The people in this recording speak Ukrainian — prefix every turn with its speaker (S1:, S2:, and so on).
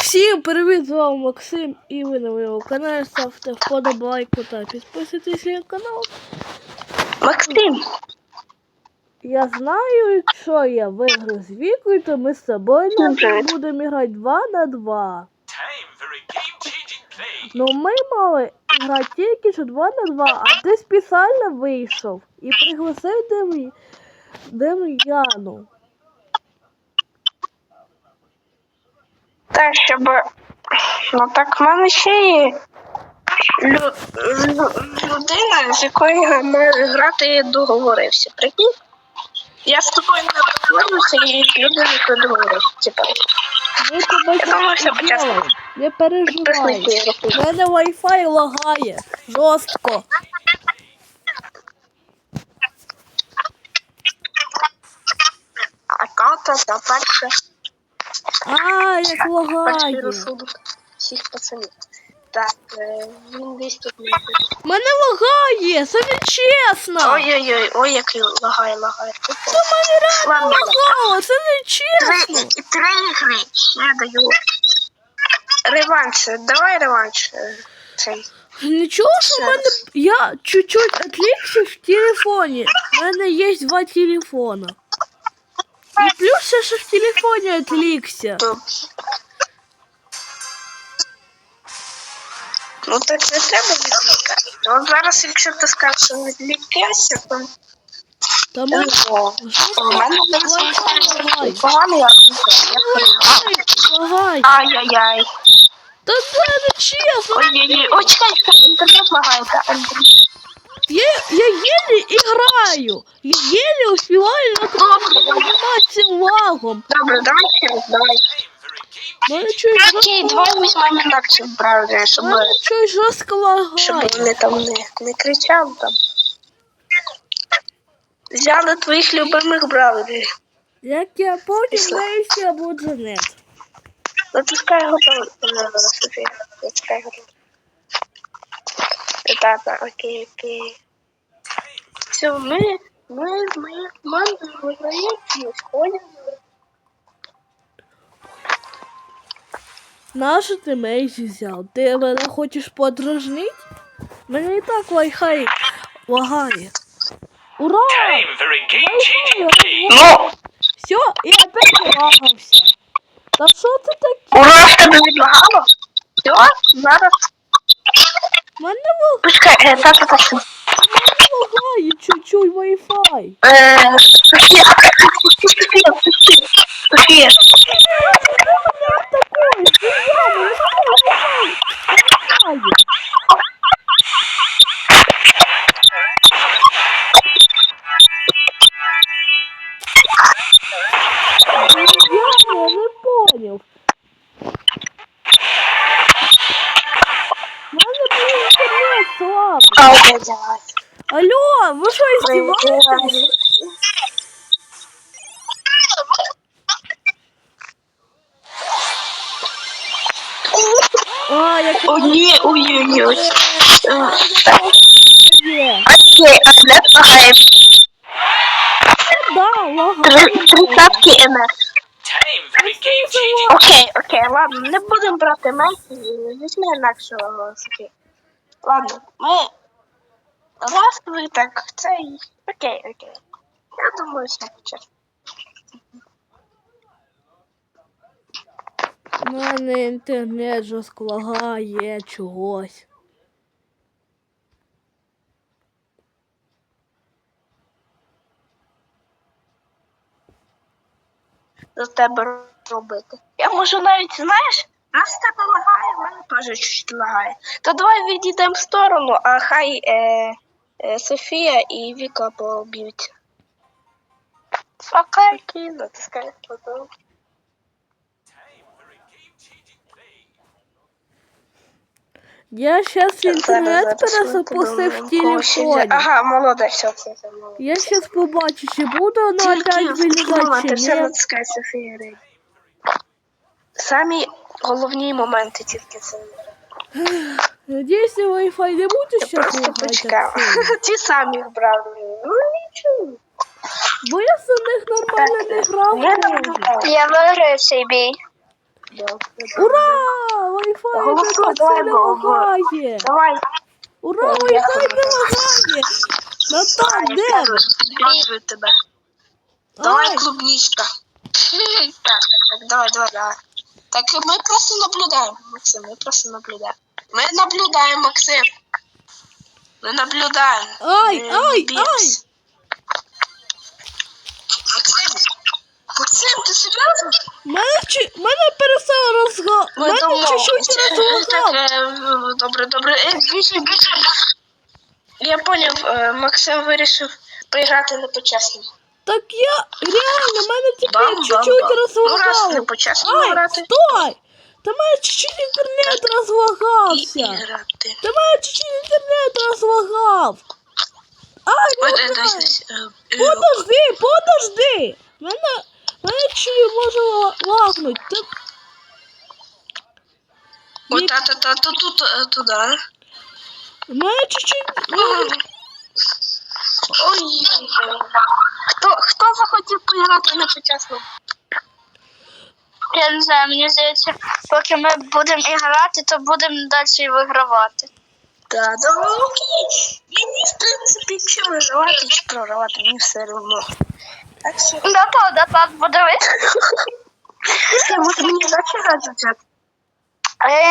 S1: Всім привіт, з вами Максим і ви на моєму каналі. Ставте вподобайку та підписуйтесь на канал.
S2: Максим!
S1: Я знаю, якщо я виграю з Вікою, то ми з тобою будемо грати 2 на 2. Ну ми мали грати тільки що 2 на 2, а ти спеціально вийшов і пригласив Дем'яну.
S2: Так, щоб... Ну так в мене ще є людина, з якою ми грати я договорився. Прикинь? Я з тобою не договорився і з людиною договорився. Типа. Я думаю, все почесно.
S1: Не переживай. У мене Wi-Fi лагає. Жорстко.
S2: А карта та перша.
S1: Як лагає.
S2: Всіх пацанів. Так, він десь тут не буде.
S1: Мене лагає, це не чесно.
S2: Ой-ой-ой, ой, як лагає.
S1: Це мене реально лагало, це не чесно.
S2: Три ігри, я даю. Реванш, давай реванш. Цей.
S1: Нічого, що в мене, я чуть-чуть відвлекся в телефоні. У мене є 2 телефона. І плюс ще що в телефоні відвлекся.
S2: Ну так не треба відвлекати. От зараз, якщо ти скажеш, що відвлекайся, то...
S1: Та мене
S2: У мене поганий
S1: лагає.
S2: Ай-яй-яй.
S1: Та це не чесно.
S2: Ой-ой-ой, ой, чекай, інтернет лагає.
S1: Я еле играю. Я еле успеваю заниматься лагом.
S2: Добре, давай ще раз, давай. Окей, давай візьмемо інакше в браузері, щоб
S1: жорстко лагає.
S2: вони там не кричали там. Взяли твоїх любимих браузерів.
S1: Як я потім знаюся, буде нет.
S2: Натискай готово, Софія. Натискай готово. Так, окей. Все, ми командою виграємо і сходимо.
S1: Нащо ти Мейзі взяв? Ти мене хочеш подражнити? Мене і так Wi-Fi лагає. Ура!
S2: Ну!
S1: Все, і опять лагався. Та що це таке?
S2: Ура, в тебе відлагало? Все, зараз.
S1: Мене
S2: Пускай,
S1: лагає чуть-чуть Wi-Fi.
S2: Софія.
S1: Я не понял. Надо было интернет слабый. Алло, вы что, издеваетесь?
S2: Ой-ой-ой.
S1: Окей,
S2: не лагає.
S1: да, лагает.
S2: 30 МФ. Окей, ладно, не будемо брати Мейсі, візьми інакшого Софі. Ладно, ми раз ви так, цей, окей. Я думаю, все почесно.
S1: У мене інтернет жорстко лагає чогось.
S2: До тебе робити. Я можу навіть, знаєш, раз в тебе лагає, в мене теж чуть лагає. То давай відійдемо в сторону, а хай Софія і Віка поб'ються. Окей, натискай потім.
S1: Я сейчас интернет перезапустив в телефоні.
S2: Ага, молодець, все.
S1: Я сейчас побачу, чи буде воно опять вилізати, чи ні.
S2: Натискай Софія. Самі головні моменти тільки це.
S1: Надіюсь, Wi-Fi не буде зараз
S2: Просто почекав. Ті самі брали. Ну нічого.
S1: Бо я за них нормально не грав.
S2: Я виграю цей бій.
S1: Ура! Wi-Fi не
S2: Голосуй,
S1: так
S2: давай,
S1: сильно лагає.
S2: Давай.
S1: Ура,
S2: Я
S1: Wi-Fi
S2: тебе
S1: не лагає. Натан, де ви?
S2: Підказую тебе. Давай,
S1: Ай,
S2: клубничка. Так, давай. Так, мы просто наблюдаем, Максим, мы просто наблюдаем. Мы наблюдаем, Максим. Мы наблюдаем.
S1: Ай,
S2: Мы
S1: ай,
S2: не бьемся. Максим, ты серьезно?
S1: мене перестало розгадувати. Мене чуть-чуть розлагав.
S2: Добре. Біжи. Я поняв, Максим вирішив поіграти не по-чесному.
S1: Так я реально, мене тепер
S2: Бам-бам-бам.
S1: чуть-чуть
S2: Ну, раз не
S1: розлагало.
S2: по-чесному
S1: Ай,
S2: грати.
S1: стой! Та мене чуть-чуть інтернет
S2: І
S1: розлагався.
S2: грати.
S1: Та мене чуть-чуть інтернет розлагав. Ай,
S2: Ой,
S1: не
S2: дивись.
S1: грай. Подожди. Мене чуть може лагнуть.
S2: Ой, та тут туди.
S1: Мене чуть-чуть...
S2: Ой. Хто захотів поіграти на почесному?
S3: Я не знаю, мені здається, поки ми будемо грати, то будемо далі вигравати.
S2: Да, окей. Мені, в принципі, чи виживати, чи програвати, мені все одно. Так що...
S3: Да, подивись.
S2: Може мені дати грати?